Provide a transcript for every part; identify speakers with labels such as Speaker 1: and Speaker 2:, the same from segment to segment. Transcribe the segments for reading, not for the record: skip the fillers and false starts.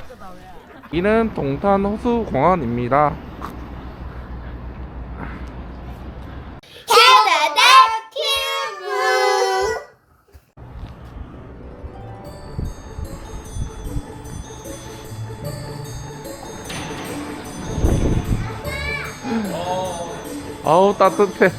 Speaker 1: 이는 동탄 호수공원입니다.
Speaker 2: 캐나다 큐브.
Speaker 1: 아우 따뜻해.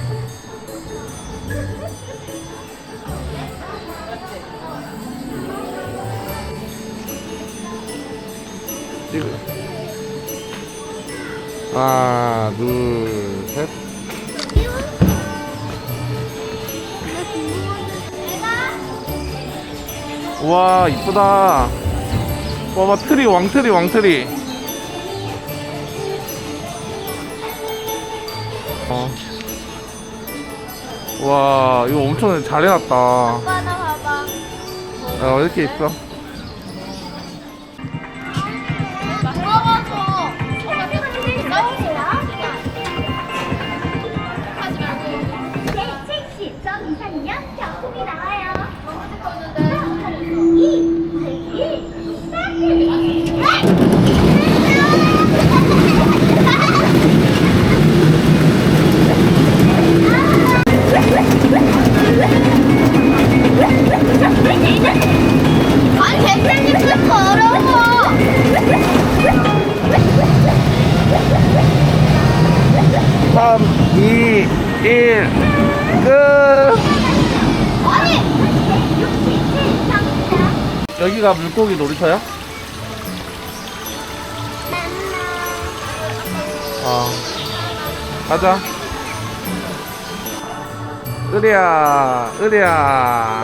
Speaker 1: 지금 하나 둘셋. 우와 이쁘다. 봐봐 트리 왕트리 왕트리. 와 이거 엄청 잘 해놨다.
Speaker 2: 아빠 나 봐봐.
Speaker 1: 이렇게 있어.
Speaker 2: 무거워서. 제 70점 이상이면 경품이 나와요. 아니 백장님 슬퍼 어려워.
Speaker 1: 3, 2, 1 끝.
Speaker 2: 아니 67 이상이다.
Speaker 1: 여기가 물고기 놀이터야? 가자. 으리야 으리야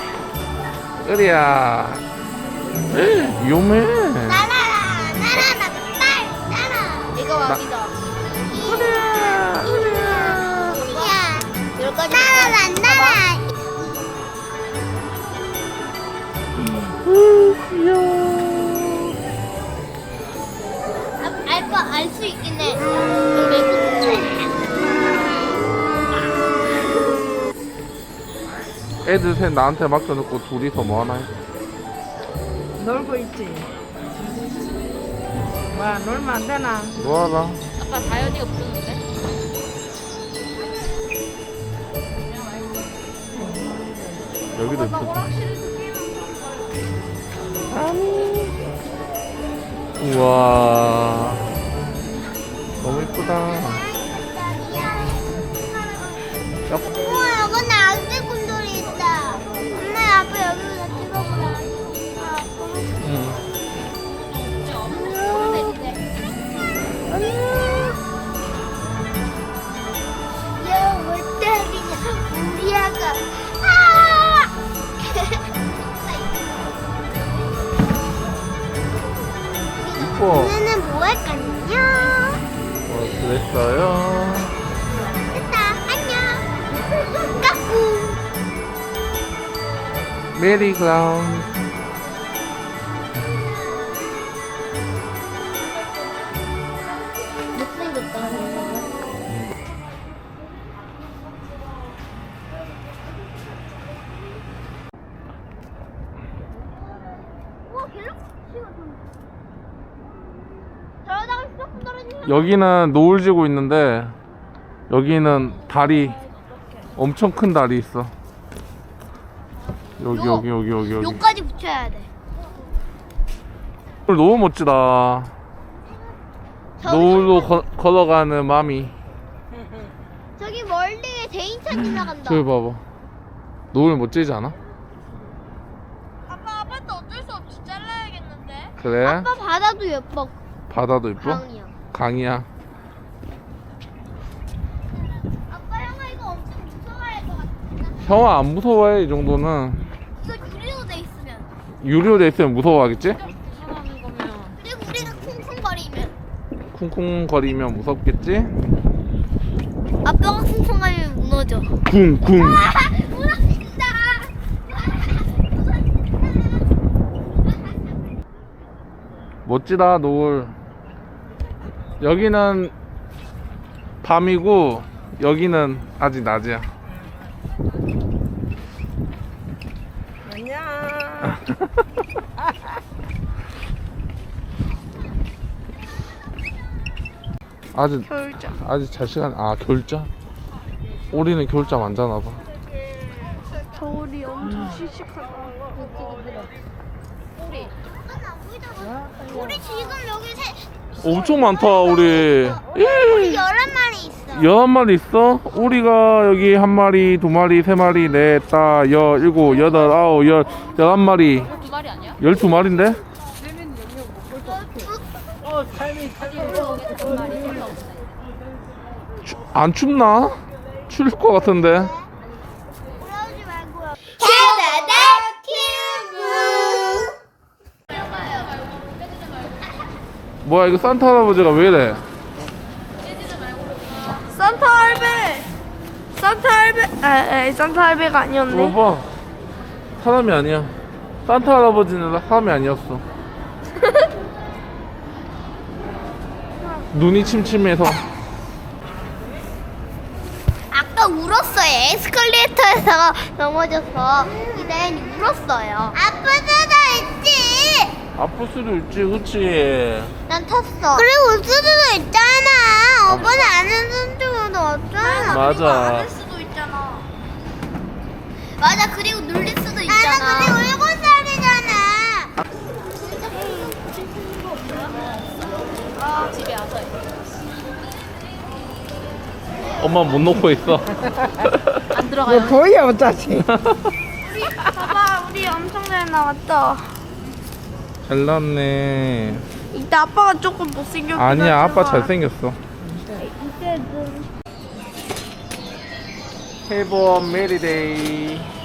Speaker 1: 으리야. 위험해.
Speaker 2: 날아라 날아라 빨 날아. 이거 왕이다.
Speaker 1: 으리야 으리야.
Speaker 2: 날아라 날아.
Speaker 1: 귀여워.
Speaker 2: 알 수 있긴 해.
Speaker 1: 애들 셋 나한테 맡겨놓고 둘이서 뭐 하나 해?
Speaker 3: 놀고 있지. 뭐야 놀면 안 되나?
Speaker 1: 뭐하라.
Speaker 4: 아까 다현이가 부르는데?
Speaker 1: 여기도 있어. 우와 너무 이쁘다.
Speaker 2: 우와 여기 아기 곰돌이 있다. 엄마 아빠 여기서 찍어보라.
Speaker 1: 응.
Speaker 2: 야왜 때리냐 우리 아가.
Speaker 1: 이뻐.
Speaker 2: 오늘은 뭐 할 거냐?
Speaker 1: 그랬어요.
Speaker 2: 됐다 안녕. 까꿍.
Speaker 1: 메리 클라운.
Speaker 2: 못생겼다. 우와 갤럭시가 저러다가 휴대폰 떨어지면
Speaker 1: 여기는 노을 지고 있는데 여기는 달이 엄청 큰 달이 있어. 여기
Speaker 2: 요.
Speaker 1: 여기 여기 여기 여기.
Speaker 2: 여기까지 붙여야 돼.
Speaker 1: 너무 멋지다. 노을로 걸어가는 마미.
Speaker 2: 저기 멀리에 대인천 지나간다.
Speaker 1: 저기 봐봐. 노을 멋지지 않아?
Speaker 4: 아빠 아빠도 어쩔 수 없이 잘라야겠는데?
Speaker 1: 그래?
Speaker 2: 아빠 바다도 예뻐.
Speaker 1: 바다도 이뻐?
Speaker 2: 강이야.
Speaker 1: 강이야.
Speaker 2: 아빠 형아 이거 엄청 무서워할 것 같아.
Speaker 1: 형아 안 무서워해 이 정도는.
Speaker 2: 이거 유리로 돼 있으면.
Speaker 1: 유리로 돼 있으면 무서워하겠지?
Speaker 4: 무서워하는 거면
Speaker 2: 그리고 우리가 쿵쿵거리면.
Speaker 1: 쿵쿵거리면 무섭겠지?
Speaker 2: 아빠가 쿵쿵거리면 무너져.
Speaker 1: 쿵쿵.
Speaker 2: 무너진다.
Speaker 1: 멋지다 노을. 여기는 밤이고 여기는 아직 낮이야.
Speaker 3: 안녕.
Speaker 1: 아직
Speaker 3: 겨울잠.
Speaker 1: 아직 잘 시간. 아 겨울잠? 우리는 겨울잠 안 자나 봐.
Speaker 3: 겨울이 엄청 씩씩하다.
Speaker 2: 우리 지금 여기
Speaker 1: 엄청 많다 우리.
Speaker 2: 우리 11마리 있어.
Speaker 1: 11마리 있어? 우리가 여기 한 마리, 두 마리, 세 마리, 넷, 다, 일곱, 여덟, 아홉, 11마리.
Speaker 4: 2마리 아니야?
Speaker 1: 12마리인데? 안 춥나? 추울 것 같은데.
Speaker 2: 그러지 말고요. 캐나다 큐브.
Speaker 1: 뭐야 이거 산타 할아버지가 왜 이래?
Speaker 3: 산타 할배. 산타 할배. 산타 할배가 아니었네.
Speaker 1: 봐봐. 사람이 아니야. 산타 할아버지는 사람이 아니었어. 눈이 침침해서.
Speaker 2: 아까 울었어요. 에스컬레이터에서 넘어져서 이다현이 울었어요. 아빠 수도 있지.
Speaker 1: 아플 수도 있지, 그치?
Speaker 2: 난 탔어. 그리고 울 수도 있잖아. 오빠는 안 웃는 적은 없잖아.
Speaker 1: 맞아.
Speaker 2: 수도 있잖아. 맞아. 그리고 눌릴 수도 있잖아. 나 근데 7살이잖아.
Speaker 4: 집에 와서.
Speaker 1: 엄마 못 놓고 있어.
Speaker 4: 안 들어가요.
Speaker 3: 보여 어차피.
Speaker 2: 봐봐. 우리 엄청 잘 나왔다.
Speaker 1: 잘 나왔네.
Speaker 3: 이따 아빠가 조금 못생겼긴
Speaker 1: 아니야, 아빠
Speaker 3: 하지만.
Speaker 1: 잘생겼어. Have a merry day.